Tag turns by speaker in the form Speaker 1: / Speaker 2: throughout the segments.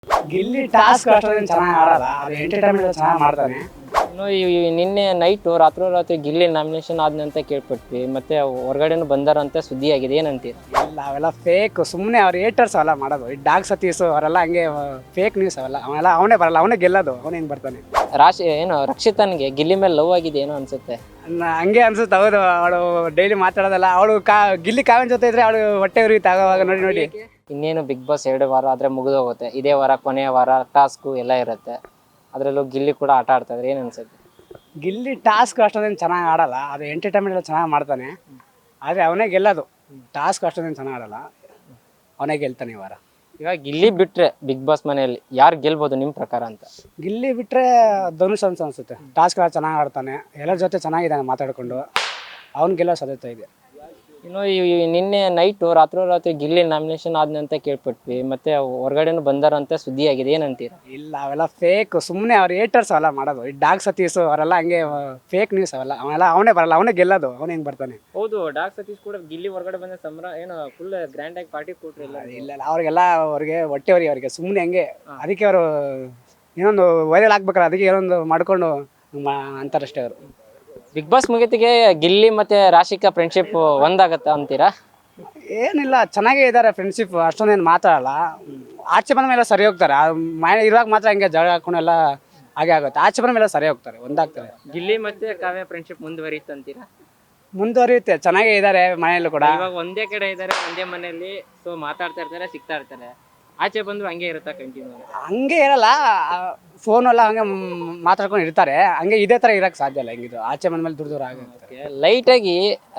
Speaker 1: Gilli task ಅಷ್ಟೊಂದು ಚೆನ್ನಾಗಿ ಆಡಲ್ಲ, ಅದು ಎಂಟರ್ಟೈನ್ಮೆಂಟ್ ಚೆನ್ನಾಗಿ ಮಾಡ್ತಾನೆ.
Speaker 2: ಇನ್ನು ನಿನ್ನೆ ನೈಟು ರಾತ್ರಿ ಗಿಲ್ಲಿ ನಾಮಿನೇಷನ್ ಆದ್ನಂತ ಕೇಳ್ಪಟ್ವಿ, ಮತ್ತೆ ಹೊರಗಡೆನೂ ಬಂದಾರಂತೆ ಸುದ್ದಿ ಆಗಿದೆ, ಏನಂತೀರ?
Speaker 1: ಇಲ್ಲ, ಅವೆಲ್ಲ ಫೇಕ್, ಸುಮ್ಮನೆ ಅವ್ರು ಏಟರ್ಸ್ ಅವೆಲ್ಲ ಮಾಡೋದು. ಈ ಡಾಗ್ ಸತೀಸು ಅವರೆಲ್ಲ ಹಂಗೆ ಫೇಕ್ ನ್ಯೂಸ್ ಅವೆಲ್ಲ. ಅವನೇ ಬರಲ್ಲ, ಅವನೇ ಗೆಲ್ಲೋದು, ಅವನೇ ಹಿಂಗೆ ಬರ್ತಾನೆ.
Speaker 2: ರಕ್ಷಿತನ್ಗೆ ಗಿಲ್ಲಿ ಮೇಲೆ ಲವ್ ಆಗಿದೆ ಏನೋ ಅನ್ಸುತ್ತೆ.
Speaker 1: ಹಂಗೆ ಅನ್ಸುತ್ತೆ. ಹೌದು, ಅವಳು ಡೈಲಿ ಮಾತಾಡೋದಲ್ಲ. ಅವಳು ಗಿಲ್ಲಿ ಕಾವ್ಯನ ಜೊತೆ ಇದ್ರೆ ಅವಳು ಹೊಟ್ಟೆ ಉರಿಯುತ್ತೆ ಆಗೋವಾಗ. ನೋಡಿ
Speaker 2: ಇನ್ನೇನು ಬಿಗ್ ಬಾಸ್ 2 ವಾರ ಆದರೆ ಮುಗಿದೋಗುತ್ತೆ. ಇದೇ ವಾರ ಕೊನೆಯ ವಾರ ಟಾಸ್ಕು ಎಲ್ಲ ಇರುತ್ತೆ. ಅದರಲ್ಲೂ ಗಿಲ್ಲಿ ಕೂಡ ಆಟ ಆಡ್ತಾ ಇದ್ರೆ ಏನು ಅನ್ಸುತ್ತೆ?
Speaker 1: ಗಿಲ್ಲಿ ಟಾಸ್ಕ್ ಅಷ್ಟೊಂದೇನು ಚೆನ್ನಾಗಿ ಆಡಲ್ಲ, ಅದು ಎಂಟರ್ಟೈನ್ಮೆಂಟ್ ಎಲ್ಲ ಚೆನ್ನಾಗಿ ಮಾಡ್ತಾನೆ. ಆದರೆ ಅವನೇ ಗೆಲ್ಲೋದು. ಟಾಸ್ಕ್ ಅಷ್ಟೊಂದೇನು ಚೆನ್ನಾಗಿ ಆಡಲ್ಲ, ಅವನೇ ಗೆಲ್ತಾನೆ ಈ ವಾರ.
Speaker 2: ಇವಾಗ ಗಿಲ್ಲಿ ಬಿಟ್ರೆ ಬಿಗ್ ಬಾಸ್ ಮನೆಯಲ್ಲಿ ಯಾರು ಗೆಲ್ಬೋದು ನಿಮ್ಮ ಪ್ರಕಾರ ಅಂತ?
Speaker 1: ಗಿಲ್ಲಿ ಬಿಟ್ಟರೆ ಧನುಷ್ ಅನ್ಸುತ್ತೆ. ಟಾಸ್ಕ್ ಎಲ್ಲ ಚೆನ್ನಾಗಿ ಆಡ್ತಾನೆ, ಎಲ್ಲರ ಜೊತೆ ಚೆನ್ನಾಗಿದ್ದಾನೆ ಮಾತಾಡಿಕೊಂಡು. ಅವ್ನು ಗೆಲ್ಲೋ ಸಾಧ್ಯತೆ ಇದೆ.
Speaker 2: ಇನ್ನು ನಿನ್ನೆ ನೈಟು ರಾತ್ರಿ ಗಿಲ್ಲಿ ನಾಮಿನೇಷನ್ ಆದ್ನಂತ ಕೇಳ್ಪಟ್ವಿ, ಮತ್ತೆ ಹೊರಗಡೆನೂ ಬಂದಾರಂತೆ ಸುದ್ದಿ ಆಗಿದೆ, ಏನಂತೀರ?
Speaker 1: ಇಲ್ಲ, ಅವೆಲ್ಲ ಫೇಕ್, ಸುಮ್ಮನೆ ಅವ್ರು ಏಟರ್ಸ್ ಅವೆಲ್ಲ ಮಾಡೋದು. ಈ ಡಾಗ್ ಸತೀಸು ಅವರೆಲ್ಲ ಹಂಗೆ ಫೇಕ್ ನ್ಯೂಸ್ ಅವೆಲ್ಲ. ಅವನೇ ಬರಲ್ಲ, ಅವನೇ ಗೆಲ್ಲೋದು, ಅವನೇ ಹಿಂಗೆ ಬರ್ತಾನೆ.
Speaker 2: ಹೌದು, ಡಾಗ್ ಸತೀಶ್ ಕೂಡ ಗಿಲ್ಲಿ ಹೊರಗಡೆ ಬಂದ ಏನು ಫುಲ್ ಗ್ರ್ಯಾಂಡ್ ಆಗಿ ಪಾರ್ಟಿ ಕೊಟ್ರಿಲ್ಲ?
Speaker 1: ಇಲ್ಲ, ಅವ್ರಿಗೆಲ್ಲ ಅವ್ರಿಗೆ ಹೊಟ್ಟೆ ಅವರಿಗೆ ಸುಮ್ಮನೆ ಹಂಗೆ. ಅದಕ್ಕೆ ಅವರು ಏನೊಂದು ವೈರಲ್ ಆಗ್ಬೇಕಲ್ಲ, ಅದಕ್ಕೆ ಏನೊಂದು ಮಾಡ್ಕೊಂಡು ಅಂತಾರಷ್ಟೇ ಅವರು.
Speaker 2: ಬಿಗ್ ಬಾಸ್ ಮುಗಿತಿಗೆ ಗಿಲ್ಲಿ ಮತ್ತೆ ರಾಶಿಕಾ ಫ್ರೆಂಡ್ಶಿಪ್ ಒಂದಾಗತ್ತ ಅಂತೀರಾ?
Speaker 1: ಏನಿಲ್ಲ, ಚೆನ್ನಾಗೇ ಇದ್ದಾರೆ ಫ್ರೆಂಡ್ಶಿಪ್, ಅಷ್ಟೊಂದೇನು ಮಾತಾಡಲ್ಲ. ಆಚೆ ಬಂದ ಮೇಲೆ ಸರಿ ಹೋಗ್ತಾರೆ. ಮನೆ ಇರುವಾಗ ಮಾತ್ರ ಹಂಗೆ ಜಗಳ ಹಾಕೊಂಡೆಲ್ಲ ಹಾಗೆ ಆಗುತ್ತೆ. ಆಚೆ ಬಂದ ಮೇಲೆ ಸರಿ ಹೋಗ್ತಾರೆ, ಒಂದಾಗ್ತಾರೆ.
Speaker 2: ಗಿಲ್ಲಿ ಮತ್ತೆ ಕಾವ್ಯ ಫ್ರೆಂಡ್ಶಿಪ್ ಮುಂದುವರಿಯುತ್ತಂತೀರಾ?
Speaker 1: ಮುಂದುವರಿಯುತ್ತೆ, ಚೆನ್ನಾಗೇ ಇದ್ದಾರೆ ಮನೆಯಲ್ಲೂ ಕೂಡ.
Speaker 2: ಇವಾಗ ಒಂದೇ ಕಡೆ ಇದ್ದಾರೆ, ಒಂದೇ ಮನೆಯಲ್ಲಿ, ಸೊ ಮಾತಾಡ್ತಾ ಇರ್ತಾರೆ, ಸಿಗ್ತಾ ಇರ್ತಾರೆ. ಆಚೆ ಬಂದು ಹಂಗೆ ಇರುತ್ತಾ ಕಂಟಿನ್ಯೂ?
Speaker 1: ಹಂಗೆ ಇರಲ್ಲ, ಫೋನೆಲ್ಲ ಹಂಗೆ ಮಾತಾಡ್ಕೊಂಡು ಇರ್ತಾರೆ. ಹಂಗೆ ಇದೇ ಥರ ಇರೋಕ್ಕೆ ಸಾಧ್ಯ ಇಲ್ಲ. ಹೆಂಗಿದ್ರು ಆಚೆ ಬಂದ ಮೇಲೆ ದೂರ ಆಗುತ್ತೆ.
Speaker 2: ಲೈಟಾಗಿ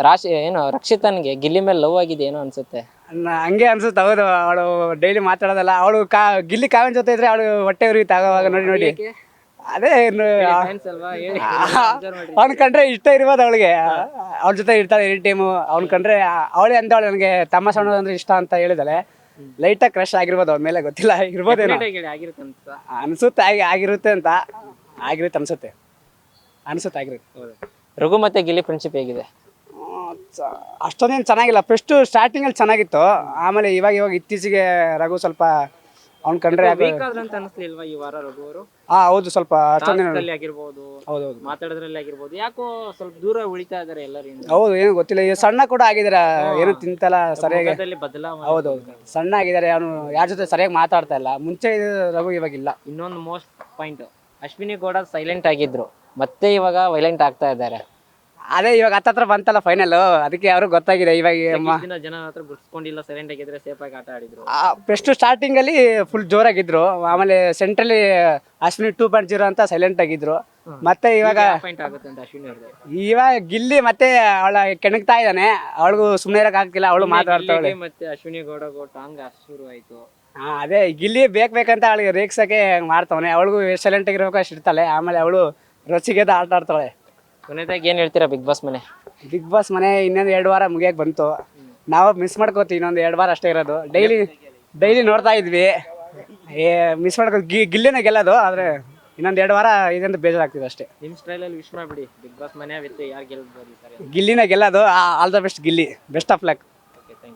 Speaker 2: ರಕ್ಷಿತನ್ಗೆ ಗಿಲ್ಲಿ ಮೇಲೆ ಲವ್ ಆಗಿದೆ ಏನೋ ಅನ್ಸುತ್ತೆ.
Speaker 1: ಹಂಗೆ ಅನ್ಸುತ್ತೆ. ಹೌದು, ಅವಳು ಡೈಲಿ ಮಾತಾಡೋದಲ್ಲ. ಅವಳು ಗಿಲ್ಲಿ ಕಾವ್ಯನ ಜೊತೆ ಇದ್ರೆ ಅವಳು ಹೊಟ್ಟೆ ಉರಿಯುತ್ತೆ ಆಗೋವಾಗ. ನೋಡಿ ಅದೇ ಅವ್ನ ಕಂಡ್ರೆ ಇಷ್ಟ ಇರ್ಬೋದು ಅವಳಿಗೆ. ಅವ್ಳ ಜೊತೆ ಇರ್ತಾಳೆ ಎನಿ ಟೈಮು. ಅವ್ನ ಕಂಡ್ರೆ ಅವಳೇ ಅಂದವಳು ನನಗೆ ತಮ್ಮ ಸಣ್ಣ ಅಂದ್ರೆ ಇಷ್ಟ ಅಂತ ಹೇಳಿದಾಳೆ. ಲೈಟಾಗಿ ಕ್ರಶ್ ಆಗಿರ್ಬೋದು ಅವ್ರ ಮೇಲೆ, ಗೊತ್ತಿಲ್ಲ, ಇರ್ಬೋದೇನೋ ಅನ್ಸುತ್ತೆ. ಆಗಿರುತ್ತೆ ಅಂತ ಅನ್ಸುತ್ತೆ ಆಗಿರುತ್ತೆ.
Speaker 2: ರಘು ಮತ್ತೆ ಗಿಲ್ಲಿ ಫ್ರೆಂಡ್ಶಿಪ್ ಹೇಗಿದೆ?
Speaker 1: ಅಷ್ಟೊಂದೇನು ಚೆನ್ನಾಗಿಲ್ಲ. ಫಸ್ಟು ಸ್ಟಾರ್ಟಿಂಗಲ್ಲಿ ಚೆನ್ನಾಗಿತ್ತು, ಆಮೇಲೆ ಇವಾಗ ಇತ್ತೀಚೆಗೆ ರಘು ಸ್ವಲ್ಪ ಅವ್ನ ಕಂಡ್ರೆ
Speaker 2: ಅನಿಸ್ಲಿಲ್ವಾ ಈ ವಾರ ರಘು ಅವರು?
Speaker 1: ಹೌದು, ಸ್ವಲ್ಪ ಅಷ್ಟೊಂದೇನು
Speaker 2: ಆಗಿರ್ಬೋದು,
Speaker 1: ಹೌದೌದು,
Speaker 2: ಮಾತಾಡೋದ್ರಲ್ಲಿ ಆಗಿರ್ಬೋದು, ಯಾಕೋ ಸ್ವಲ್ಪ ದೂರ ಉಳಿತಾ ಇದಾರೆ ಎಲ್ಲರಿಂದ.
Speaker 1: ಹೌದು, ಏನು ಗೊತ್ತಿಲ್ಲ. ಈಗ ಸಣ್ಣ ಕೂಡ ಆಗಿದಾರೆ, ಏನು ತಿಂತಲ್ಲ ಸರಿಯಾಗಿ. ಹೌದೌದು, ಸಣ್ಣ ಆಗಿದ್ದಾರೆ. ಅವನು ಯಾರ ಜೊತೆ ಸರಿಯಾಗಿ ಮಾತಾಡ್ತಾ ಇಲ್ಲ. ಮುಂಚೆ ರಘು ಇವಾಗಿಲ್ಲ.
Speaker 2: ಇನ್ನೊಂದು most point, Ashwini Gowda silent ಆಗಿದ್ರು, ಮತ್ತೆ ಇವಾಗ ವೈಲೆಂಟ್ ಆಗ್ತಾ ಇದ್ದಾರೆ.
Speaker 1: ಅದೇ ಇವಾಗ ಹತ್ತತ್ರ ಬಂತಲ್ಲ ಫೈನಲ್, ಅದಕ್ಕೆ ಅವ್ರಿಗೆ ಗೊತ್ತಾಗಿದೆ. ಇವಾಗ
Speaker 2: ಜನ ಹತ್ರ ಗುರ್ಸ್ಕೊಂಡಿಲ್ಲ, ಸೈಲೆಂಟ್ ಆಗಿದ್ರೆ ಸೇಫ್ ಆಗಿ ಆಟ ಆಡಿದ್ರು.
Speaker 1: ಫಸ್ಟ್ ಸ್ಟಾರ್ಟಿಂಗ್ ಅಲ್ಲಿ ಫುಲ್ ಜೋರಾಗಿದ್ರು, ಆಮೇಲೆ ಸೆಂಟ್ರಲ್ಲಿ ಅಶ್ವಿನಿ 2.0 ಅಂತ ಸೈಲೆಂಟ್ ಆಗಿದ್ರು. ಮತ್ತೆ ಇವಾಗ ಗಿಲ್ಲಿ ಮತ್ತೆ ಅವಳ ಕೆಣಕ್ತಾ ಇದ್ದಾನೆ. ಅವಳಿಗೂ ಸುಮ್ಮನೆ ಇರಕ್ ಆಗ್ತಿಲ್ಲ, ಅವಳು ಮಾತಾಡ್ತಾವಳೆ.
Speaker 2: ಮತ್ತೆ ಅಶ್ವಿನಿ ಗೌಡ ಟಾಂಗ್ ಶುರು ಆಯ್ತು.
Speaker 1: ಅದೇ ಗಿಲ್ಲಿ ಬೇಕಂತ ಅವಳಿಗೆ ರೇಗ್ಸಕ್ಕೆ ಮಾಡ್ತಾವನೆ. ಅವಳಿಗೂ ಸೈಲೆಂಟ್ ಆಗಿರ್ಬೇಕು ಅಷ್ಟು ಇರ್ತಾಳೆ. ಆಮೇಲೆ ಅವಳು ರೊಚ್ಚಿಗೆದ ಆಟ ಆಡ್ತಾಳೆ.
Speaker 2: ಕೊನೆದಾಗಿ ಏನ್ ಹೇಳ್ತೀರಾ ಬಿಗ್ ಬಾಸ್ ಮನೆ?
Speaker 1: ಬಿಗ್ ಬಾಸ್ ಮನೆ ಇನ್ನೊಂದು 2 ವಾರ ಮುಗಿಯಕ್ಕೆ ಬಂತು. ನಾವು ಮಿಸ್ ಮಾಡ್ಕೋತೀವಿ, ಇನ್ನೊಂದು 2 ವಾರ ಅಷ್ಟೇ ಇರೋದು. ಡೈಲಿ ನೋಡ್ತಾ ಇದ್ವಿ, ಮಿಸ್ ಮಾಡ್ಕೋ ಗಿಲ್ಲಿನ ಗೆಲ್ಲೋದು. ಆದ್ರೆ ಇನ್ನೊಂದು 2 ವಾರ ಇದಂತ ಬೇಜಾರಾಗ್ತಿದೆ ಅಷ್ಟೇ.
Speaker 2: ನಿಮ್ ಸ್ಟೈಲ್ ಅಲ್ಲಿ ವಿಶ್ ಮಾಡ್ಬಿಡಿ, ಬಿಗ್ ಬಾಸ್ ಮನೆ ಯಾರು ಗೆಲ್ಬೋದು?
Speaker 1: ಗಿಲ್ಲಿನ ಗೆಲ್ಲೋದು. All the best Gilli, best of luck.